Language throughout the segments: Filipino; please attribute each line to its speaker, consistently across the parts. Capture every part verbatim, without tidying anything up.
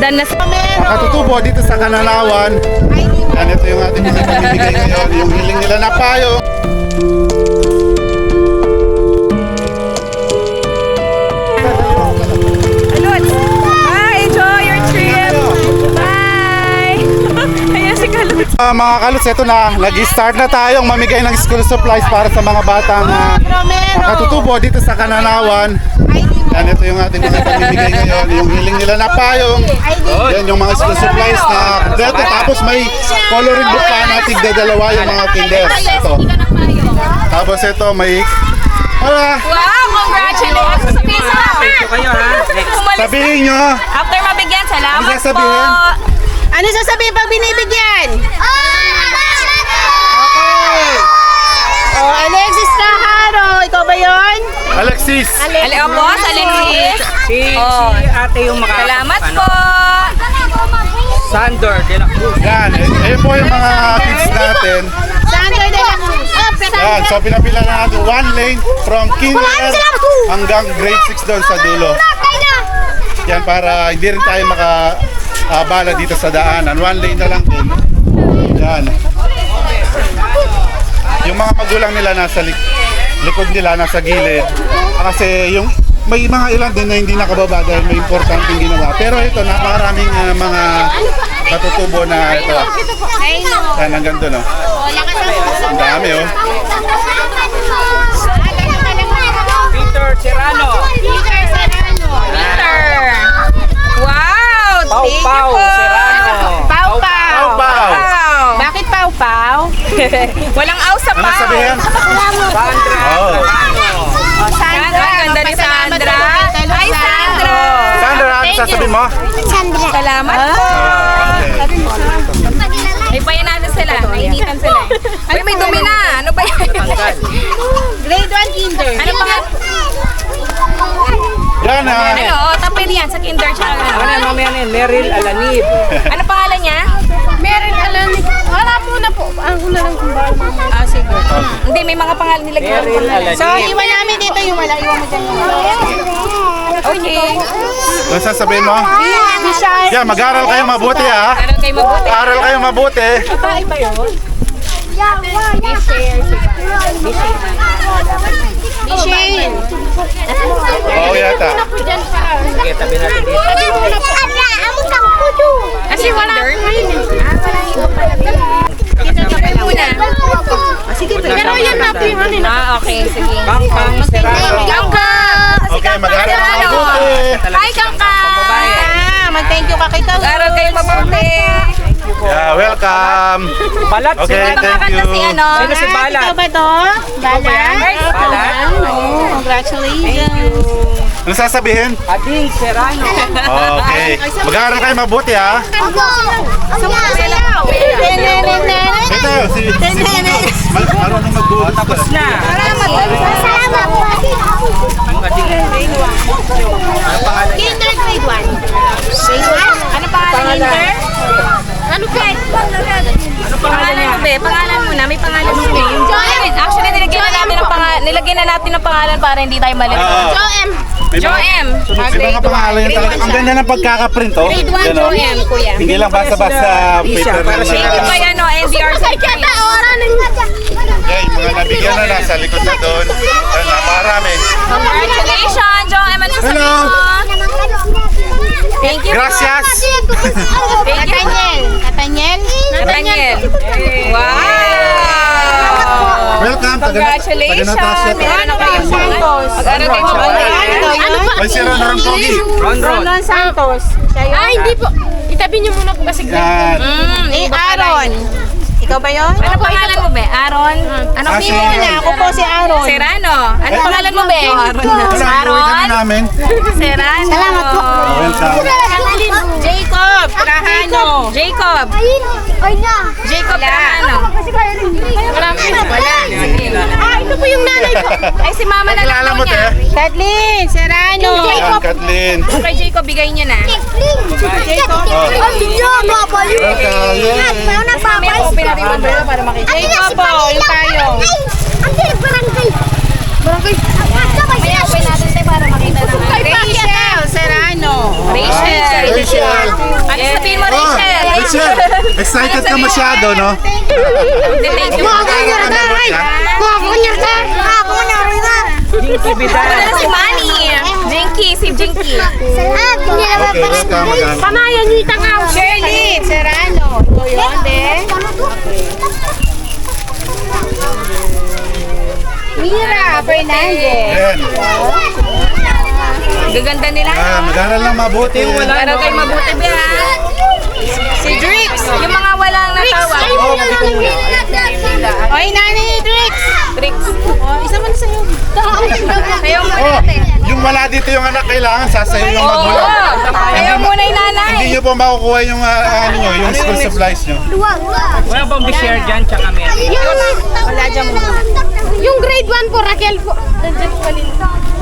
Speaker 1: Umuulan na sa...
Speaker 2: Katutubo dito sa Kananawan. Yan, ito yung ating mga binibigay ngayon. Yung hiling nila na payo. Uh, mga kaluts, ito na, nag-start na tayong mamigay ng school supplies para sa mga batang uh, katutubo dito sa Kananawan. Yan, ito yung ating mga pamimigay ngayon. Yung hiling nila na payong. Yan yung mga school supplies na kompleto. Tapos may coloring book pa na tigda dalawa yung mga kinders. Ito. Tapos ito may... Hala!
Speaker 1: Wow! Congratulations! Sabihin sa
Speaker 2: Sabihin nyo!
Speaker 1: After mabigyan, salamat
Speaker 2: Ano
Speaker 1: po!
Speaker 2: sasabihin?
Speaker 3: Ano sasabihin pag binibigyan? Oh, Alexis Cajaro, ikaw ba yun?
Speaker 2: Alexis!
Speaker 1: Ali, o boss, Alexis.
Speaker 4: Si,
Speaker 1: Oh.
Speaker 4: si ate yung makakap.
Speaker 1: Salamat
Speaker 4: ano,
Speaker 1: po.
Speaker 4: Sandor de la Cruz.
Speaker 2: Yan, eh po yung mga kids natin.
Speaker 3: Sandro de la Cruz.
Speaker 2: Yan, so pinapila na natin one lane from kinder hanggang grade six doon sa dulo. Yan, para hindi rin tayo makabala dito sa daanan. One lane na lang din. Yan. Yung mga magulang nila nasa lik likod nila, nasa gilid. Kasi yung may mga ilan din na hindi nakababa dahil may importanteng ginawa. Pero ito, napakaraming uh, mga katutubo na ito. Yan, hanggang doon, oh. Ang dami, oh.
Speaker 4: Peter Serrano.
Speaker 3: Peter Serrano.
Speaker 1: Peter. Wow!
Speaker 4: Pau
Speaker 1: Thank you
Speaker 4: Pau
Speaker 1: po.
Speaker 4: Serrano.
Speaker 3: Pau Pau.
Speaker 2: Pau Pau.
Speaker 1: Wow!
Speaker 3: Bakit Pau Pau?
Speaker 1: Walang aw sa
Speaker 2: Ano
Speaker 1: pau.
Speaker 2: sabihin?
Speaker 4: Sandra
Speaker 2: Oh.
Speaker 4: Serrano.
Speaker 1: Sandra, ang ganda ni Sandra. Hi, Sandra.
Speaker 2: Sandra, ano sasabihin mo?
Speaker 1: Salamat po.
Speaker 2: Okay.
Speaker 1: May payan natin sila. Nainitan sila. Ay, may dumi na. Ano ba yan?
Speaker 3: Grade one kinder.
Speaker 1: Ano pa?
Speaker 2: Yan, ah.
Speaker 1: Ano? Oh, tapir yan sa kinder tsaka
Speaker 4: Ano
Speaker 1: ano.
Speaker 4: yan, mamaya na yan? Meryl Alanib.
Speaker 1: Ano pangalan niya?
Speaker 3: Meron alam ni... Wala po na po. Ako na lang kung bakit.
Speaker 1: Ah, sige. Hindi, may mga pangalan nila.
Speaker 4: Meryl Alanib.
Speaker 3: So, iwan namin dito yung wala. Iwan mo dyan yung wala.
Speaker 1: Okay.
Speaker 2: Ano sasabihin mo?
Speaker 3: Bishar.
Speaker 2: Yan, mag-aral kayo mabuti, ha?
Speaker 1: Aral kayo mabuti.
Speaker 2: Mag-aral kayo mabuti.
Speaker 3: Bishane.
Speaker 2: Oo, yata.
Speaker 4: Sige, tabi natin dito.
Speaker 1: Kasi wala. Muna.
Speaker 3: Sige, pero yan natin.
Speaker 1: Ah, okay. Sige.
Speaker 4: Kang Kang Serrano.
Speaker 1: Kangka!
Speaker 2: Okay, mag-aral kayo
Speaker 1: Ano?
Speaker 2: mabuti.
Speaker 1: Hi, Kangka!
Speaker 3: Ah, mag-thank you ka kay Tao.
Speaker 1: Aral kayo mabuti.
Speaker 2: Yeah, welcome.
Speaker 4: Balat.
Speaker 2: Okay,
Speaker 4: Sino?
Speaker 2: thank
Speaker 1: Nakakanta si
Speaker 2: you.
Speaker 1: ano?
Speaker 4: Sino si Balat?
Speaker 3: Ikaw ba to? Balat?
Speaker 4: Balat.
Speaker 3: Oh, congratulations.
Speaker 2: Ano sasabihin?
Speaker 4: Ading Serrano.
Speaker 2: Okay. Mag-aral kayo mabuti, ha? Ito, si... si Mar- marunong mag-buhos.
Speaker 4: Tapos na. Ang ading. Ano pangalan niya?
Speaker 3: Kinder grade one. Grade one?
Speaker 1: Ano pangalan niya?
Speaker 3: Ano ka?
Speaker 4: Ano pangalan
Speaker 1: Pangalan
Speaker 4: niya?
Speaker 1: mo, be. Pangalan mo na. May pangalan mo na. Joem. Actually, nilagyan na natin ng pangalan. Nilagyan na natin ng pangalan para hindi tayo malito.
Speaker 2: Oo.
Speaker 3: Joem.
Speaker 2: May mga-
Speaker 1: Joem.
Speaker 2: May mga pangalan yun talaga. Ang ganda ng pagkakaprint, oh.
Speaker 3: Grade one,
Speaker 2: Yan, oh.
Speaker 3: Joem, kuya.
Speaker 2: Hindi lang basta-basta
Speaker 4: Lisa,
Speaker 2: paper
Speaker 4: para
Speaker 2: lang
Speaker 4: sa
Speaker 2: na.
Speaker 1: Thank you po yan, no, N D R certificate.
Speaker 2: Okay, mga nabigyan na nasa likod na doon. Yan, napakarami.
Speaker 1: Congratulations, Joem. Ano sasabihin
Speaker 2: Hello.
Speaker 1: mo? Thank you po.
Speaker 2: Gracias.
Speaker 1: Thank you.
Speaker 3: Nathaniel. Nathaniel?
Speaker 1: Nathaniel. Wow!
Speaker 2: Welcome. taga-
Speaker 1: Congratulations!
Speaker 2: taga Natasha.
Speaker 1: Meron na kayong
Speaker 3: Santos.
Speaker 1: Mag-aral kayo mabuti.
Speaker 3: Ano ba?
Speaker 2: Ay, sila na rin pogi.
Speaker 4: Ron Ron.
Speaker 3: Ron Santos. Siya yun?
Speaker 5: Ah, hindi po. Itabi niyo muna po kasi.
Speaker 2: Yan.
Speaker 1: Mm,
Speaker 3: Eh,
Speaker 1: iba pala
Speaker 3: Aaron.
Speaker 1: yun.
Speaker 3: Ikaw ba yun?
Speaker 1: Ano pangalan mo, be? Aaron? Ano
Speaker 2: Ah,
Speaker 1: pili
Speaker 2: si-
Speaker 1: mo na?
Speaker 3: Ako po si Aaron.
Speaker 1: Serrano. Ano pangalan mo, be? Aaron.
Speaker 2: Wala, iuwi ka na namin.
Speaker 1: Serrano. Salamat po.
Speaker 2: Welcome.
Speaker 3: Jacob Trajano.
Speaker 1: Jacob. Jacob Trajano.
Speaker 3: Marami na.
Speaker 1: Wala. Sige.
Speaker 3: Ah, ito po yung nanay ko.
Speaker 1: Ay, si mama na lang
Speaker 2: Kilala
Speaker 1: daw
Speaker 2: mo,
Speaker 1: niya.
Speaker 2: te?
Speaker 3: Kathleen Serrano.
Speaker 2: Yan, Kathleen.
Speaker 1: Kay Jacob, bigay niyo na.
Speaker 3: Jacob.
Speaker 2: Welcome. Yay.
Speaker 1: May open natin yung umbrella para makita.
Speaker 3: Jacob po, yung tayo.
Speaker 1: May open natin tayo para makita naman.
Speaker 3: Rachel Serrano.
Speaker 1: Rachel.
Speaker 2: Rachel. excited ka masyado, no?
Speaker 1: Thank you.
Speaker 4: Jinky Bidal.
Speaker 1: Wala si Manny. Jinky, si Jinky.
Speaker 2: Okay, welcome. Magana.
Speaker 5: Pamayan niyo itang ako.
Speaker 3: Shirley Serrano. Ito yun, de. Mira Fernandez.
Speaker 2: Ayan.
Speaker 1: Gaganda nila.
Speaker 2: Ah, mag-aral lang mabuti.
Speaker 1: Pero kayo mabuti ba?
Speaker 3: Si Drix.
Speaker 1: Yung mga walang natawag.
Speaker 3: Oy, Nani Drix.
Speaker 1: Tricks.
Speaker 3: Oh, isa man sa'yo.
Speaker 1: Kayo muna
Speaker 2: Oh,
Speaker 1: natin.
Speaker 2: yung wala dito yung anak, kailangan sasayo yung
Speaker 1: Oo.
Speaker 2: magulang.
Speaker 1: Kayo muna yung nanay.
Speaker 2: Hindi nyo po makukuha yung uh, ano nyo, yung school supplies nyo.
Speaker 4: Wala bang be-share dyan, tsaka meron?
Speaker 3: Wala dyan muna.
Speaker 5: Yung grade one po, Raquel po. Nandiyan po kanina.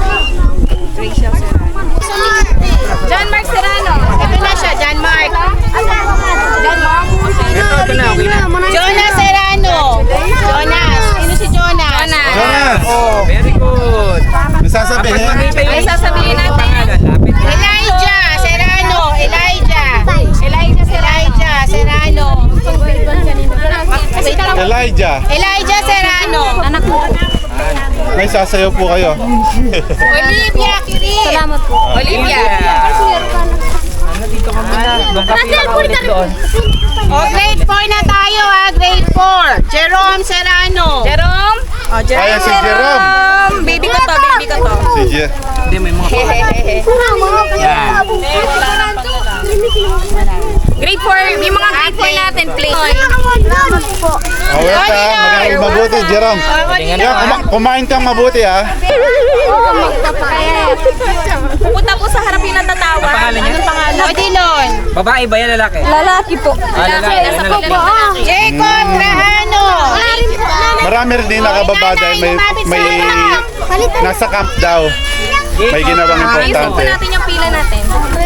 Speaker 1: John Mark Serrano.
Speaker 3: Ito na siya, John Mark.
Speaker 1: John Mark.
Speaker 4: Ito, ito na, okay na.
Speaker 3: Jonas Serrano. Jonas. Sino si Jonas?
Speaker 1: Jonas.
Speaker 2: Jonas!
Speaker 4: Oh, very good.
Speaker 2: May sasabihin?
Speaker 4: Makita yung
Speaker 1: Ay, sasabihin natin.
Speaker 4: pangalan. Lapit na.
Speaker 3: Elijah Serrano. Elijah.
Speaker 1: Elijah Serrano.
Speaker 3: Elijah Serrano.
Speaker 2: Elijah,
Speaker 3: Elijah Serrano.
Speaker 1: Anak mo.
Speaker 2: may sasayo po kayo.
Speaker 3: Olivia Kirin.
Speaker 1: Salamat po. Olivia.
Speaker 4: Ano dito ka muna? Doon ka pinakaulit doon.
Speaker 3: O, grade four na tayo ha. Grade four. Jerome Serrano.
Speaker 1: Jerome.
Speaker 3: O,
Speaker 2: Ayan si Jerome.
Speaker 1: Um, baby ko to, baby ko to.
Speaker 2: Si Jer.
Speaker 4: Hindi, may mga pangalan. Yan.
Speaker 1: Grade four, yung mga grade four natin, play.
Speaker 2: Oh, welcome. Mag-aral mabuti, Jerome. Yan, kuma- kumain kang mabuti, ha?
Speaker 1: Pupunta po sa harap yung natatawa.
Speaker 4: Ang pangalan niya?
Speaker 3: Odilon.
Speaker 4: Babae ba yan, lalaki?
Speaker 1: Lalaki po.
Speaker 4: Ah, lalaki.
Speaker 1: Nasa
Speaker 4: Ano
Speaker 1: pagpo.
Speaker 4: lalaki?
Speaker 3: Jacob Trajano.
Speaker 2: Marami rin din nakababa dahil may, may nasa camp daw. May ginawang
Speaker 1: Ayusin po
Speaker 2: importante.
Speaker 1: natin yung pila natin.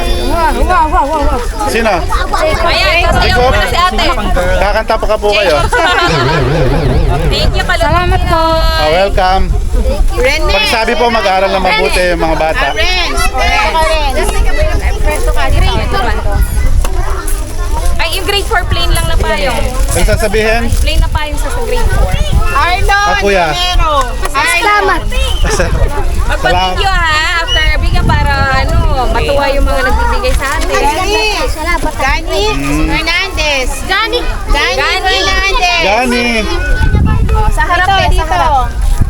Speaker 2: Sino?
Speaker 1: Ayan, kasayaw po na si ate.
Speaker 2: Kakanta pa ka po kayo.
Speaker 1: Thank you, Kalot. Salamat po.
Speaker 2: Oh, welcome.
Speaker 3: Rene.
Speaker 2: Pagsabi po, mag-aaral na mabuti yung mga bata.
Speaker 3: Renz. Renz.
Speaker 1: Ay, yung grade four plain lang na payong.
Speaker 2: Ang sasabihin?
Speaker 1: Plain na payong sa grade four.
Speaker 3: Arlon
Speaker 2: Ah, kuya.
Speaker 3: Romero. Salamat.
Speaker 1: Mag-thank you ha, after bigyan para ano, matuwa yung mga nagbibigay sa atin.
Speaker 3: Gani. Gani Fernandez. Gani. Gani
Speaker 1: Gani.
Speaker 3: Fernandez.
Speaker 2: Gani!
Speaker 1: Oh, sa harap
Speaker 3: Dito,
Speaker 1: din, sa
Speaker 3: dito.
Speaker 1: harap.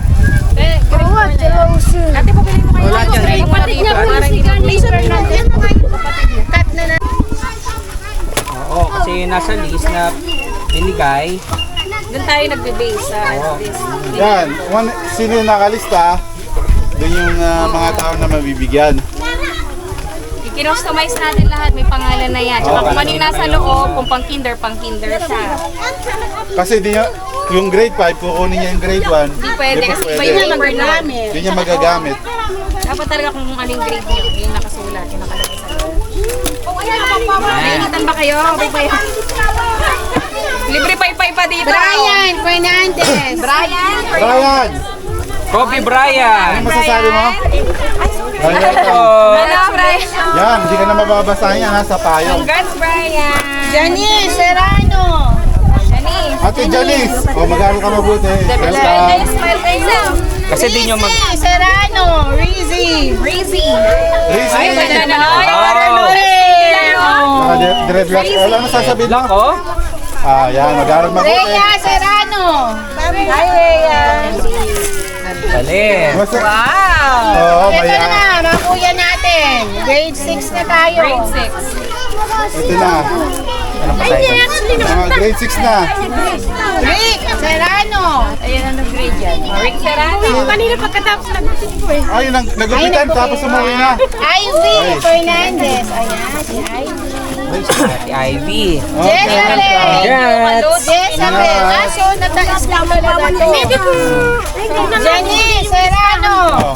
Speaker 1: Ate, pabili mo kayo.
Speaker 4: Wala dyan,
Speaker 1: Yung kapatid niya po si Gani Fernandez.
Speaker 3: Cut na na.
Speaker 4: Oo, kasi nasa list na binigay.
Speaker 1: Doon tayo nagbe-base sa this.
Speaker 2: Yan, one, sino yung nakalista? Doon yung uh, mga tao na mabibigyan.
Speaker 1: I-customize natin lahat, may pangalan na yan. Tsaka kung ano yung nasa loob, kung pang kinder, pang kinder siya.
Speaker 2: Kasi di niya, yung grade five, kukunin niya yung grade one.
Speaker 1: Hindi pwede
Speaker 2: Di po
Speaker 1: kasi iba
Speaker 2: pwede.
Speaker 1: yung number namin.
Speaker 2: Di niya magagamit.
Speaker 1: Dapat talaga kung ano yung grade niyo, yung nakasulat, yung nakalagay sa loob. Nainitan ba kayo? Okay pa yun. Libre pay-pay pa dito.
Speaker 3: Brian Fernandez.
Speaker 1: Brian.
Speaker 2: Brian!
Speaker 4: Kobe Bryant.
Speaker 2: Ano masasabi mo? Ayan.
Speaker 1: Hello, Brian.
Speaker 2: Yan, hindi ka na mababasahin yan, nasa payong.
Speaker 1: Congrats, Brian.
Speaker 3: Janice Serrano.
Speaker 1: Janice.
Speaker 2: Ate Janice, oh, mag-aaral ka mabuti.
Speaker 1: Janice,
Speaker 2: Welcome.
Speaker 1: smile kayo.
Speaker 4: Kasi di nyo mag...
Speaker 3: Rizzy Serrano. Rizzy.
Speaker 1: Breezy.
Speaker 2: Rizzy,
Speaker 1: Ay, ganda na. Ay,
Speaker 4: Wow.
Speaker 2: Naka dreadlocks. Wala na sasabihin mo?
Speaker 4: Ako?
Speaker 2: Ah, yan, mag-aaral mabuti.
Speaker 3: Rhea Serrano. Hi, Rhea.
Speaker 4: Galing.
Speaker 2: Basta,
Speaker 1: Wow.
Speaker 2: oo,
Speaker 3: Ito
Speaker 2: maya.
Speaker 3: na, mga kuya natin. Grade six na tayo.
Speaker 1: Grade six.
Speaker 2: Ito na.
Speaker 4: Ano pa tayo?
Speaker 2: Mga grade six na.
Speaker 3: Rick Serrano.
Speaker 1: Ayan ang nag-grade yan. Rick Serrano.
Speaker 5: Kanina pagkatapos nagutin ko eh.
Speaker 2: Ay, nag nagupitan, tapos umuwi na.
Speaker 3: Ivy Fernandez. Ayan, si Ivy.
Speaker 4: Si Ivy.
Speaker 3: Jezabel.
Speaker 4: Congrats.
Speaker 3: Jezabel. Ah, so nataas lang talaga to. Janice Serrano.
Speaker 2: Oh.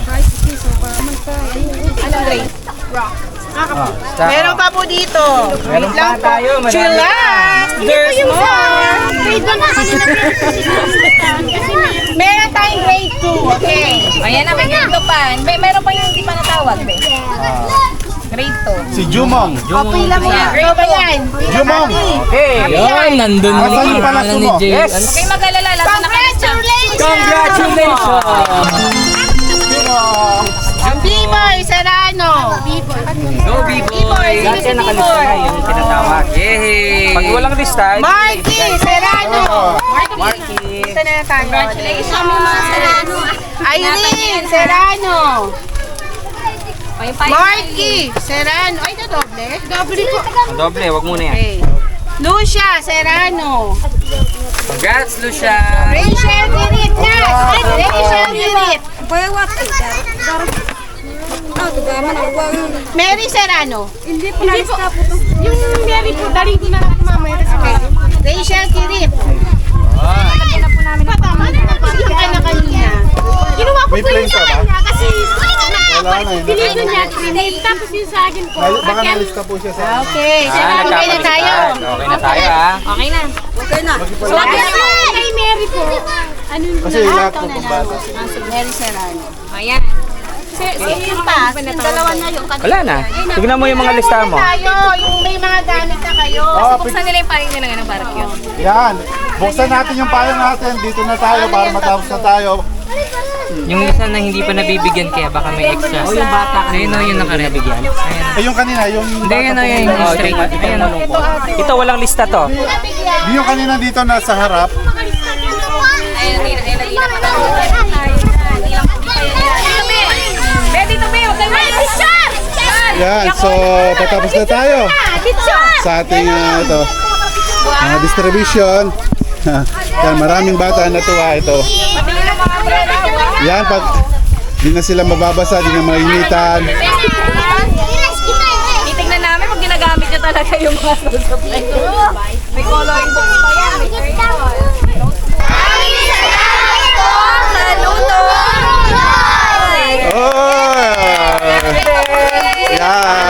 Speaker 3: Anong grade?
Speaker 4: Oh, stop.
Speaker 3: Meron pa po dito.
Speaker 4: Meron
Speaker 3: Wait lang
Speaker 4: pa tayo,
Speaker 3: po.
Speaker 4: marami
Speaker 3: Chillax. There's more.
Speaker 5: Grade one na kanina.
Speaker 3: Meron tayong grade two. Okay.
Speaker 1: Ayan na, may grade two pa. May, meron pa yung hindi pa natawag. Be.
Speaker 3: Grade two.
Speaker 2: Si Jumong.
Speaker 3: Copy lang yan. Grade ba yan?
Speaker 2: Jumong!
Speaker 4: Okay.
Speaker 6: Yan, nandun
Speaker 2: Asan
Speaker 6: yung
Speaker 2: yung pala
Speaker 6: pangalan ni
Speaker 2: sumo?
Speaker 6: Jay.
Speaker 4: Yes.
Speaker 6: Ano?
Speaker 1: Okay, mag-alala. Lasa na kayo siya.
Speaker 4: Congratulations!
Speaker 2: Jumong!
Speaker 3: Ang B-Boy, Serrano.
Speaker 4: Go, B-Boy!
Speaker 3: Dati
Speaker 4: Dati nakalista na yung tinatawag. Yay! Pag walang lista,
Speaker 3: Marky, Serrano.
Speaker 4: Marky.
Speaker 3: Ito na tayo.
Speaker 1: Congratulations mga Serrano.
Speaker 3: Irene, Serrano.
Speaker 1: Ay, pa-
Speaker 3: Marky, Serrano. Ay, na doble. Doble po.
Speaker 4: Ang doble, wag muna yan.
Speaker 3: Okay. Lucia, Serrano.
Speaker 4: Congrats, Lucia!
Speaker 3: Rachel Dirit na. Rachel Dirit. Mary Serrano.
Speaker 5: Hindi po. Yung Mary po, daling ko na lang mamaya.
Speaker 3: Okay. Rachel Dirit. Patama na napagod ka na kanina.
Speaker 5: Ginawa ko
Speaker 2: May
Speaker 5: po
Speaker 2: plane
Speaker 5: yung
Speaker 2: ka
Speaker 5: sa
Speaker 2: ba?
Speaker 5: kanya kasi
Speaker 2: Wala na yun.
Speaker 5: pinito niya, pinito. Tapos yung sa akin po.
Speaker 2: Baka
Speaker 5: Raquel.
Speaker 2: nalista po siya sa...
Speaker 3: Okay.
Speaker 4: Ah,
Speaker 3: Serrano, okay na tayo.
Speaker 4: nagkakalitan. Okay na tayo, ha?
Speaker 1: Okay na.
Speaker 5: Sabi ko kay Mary po. Ano yung
Speaker 2: Kasi lahat po pang bata.
Speaker 3: Mary Serrano.
Speaker 1: Ayan.
Speaker 3: Yung pass, yung dalawa na yung kanina.
Speaker 4: Wala na. Tignan mo yung mga lista mo.
Speaker 3: Tayo, yung may mga gamit na kayo.
Speaker 2: Oh,
Speaker 1: Buksan nila yung paring nila ng barbecue.
Speaker 2: yan. Buksan natin yung payong natin. Dito na tayo para matapos na tayo.
Speaker 6: Yung isa na hindi pa nabibigyan kaya baka may extra. O yung bata. Ayun o, yung nakarabigyan. Ayun.
Speaker 2: Eh, yung kanina, yung...
Speaker 6: Hindi, yun o, yun. Yung straight. Ayun o.
Speaker 4: Ito, walang lista to.
Speaker 2: Yung kanina dito nasa harap.
Speaker 1: Ayun, ayun, ayun, ayun. Ready to be, huwag kayo mag-picture!
Speaker 2: Yan, so patapos na tayo sa ating ah, ito, ah, distribution. Yan, maraming bata na tuwa ito. Yan, pag di na sila mababasa, di na mainitan.
Speaker 1: Titignan namin pag ginagamit niya talaga yung mga supply. May coloring book pa yan. May crayon. Saludo!
Speaker 2: Oh! Yan.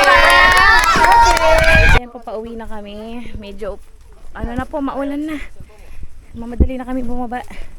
Speaker 1: Ayan po, pauwi na kami. Medyo, ano na po, maulan na. Mamadali na kami bumaba.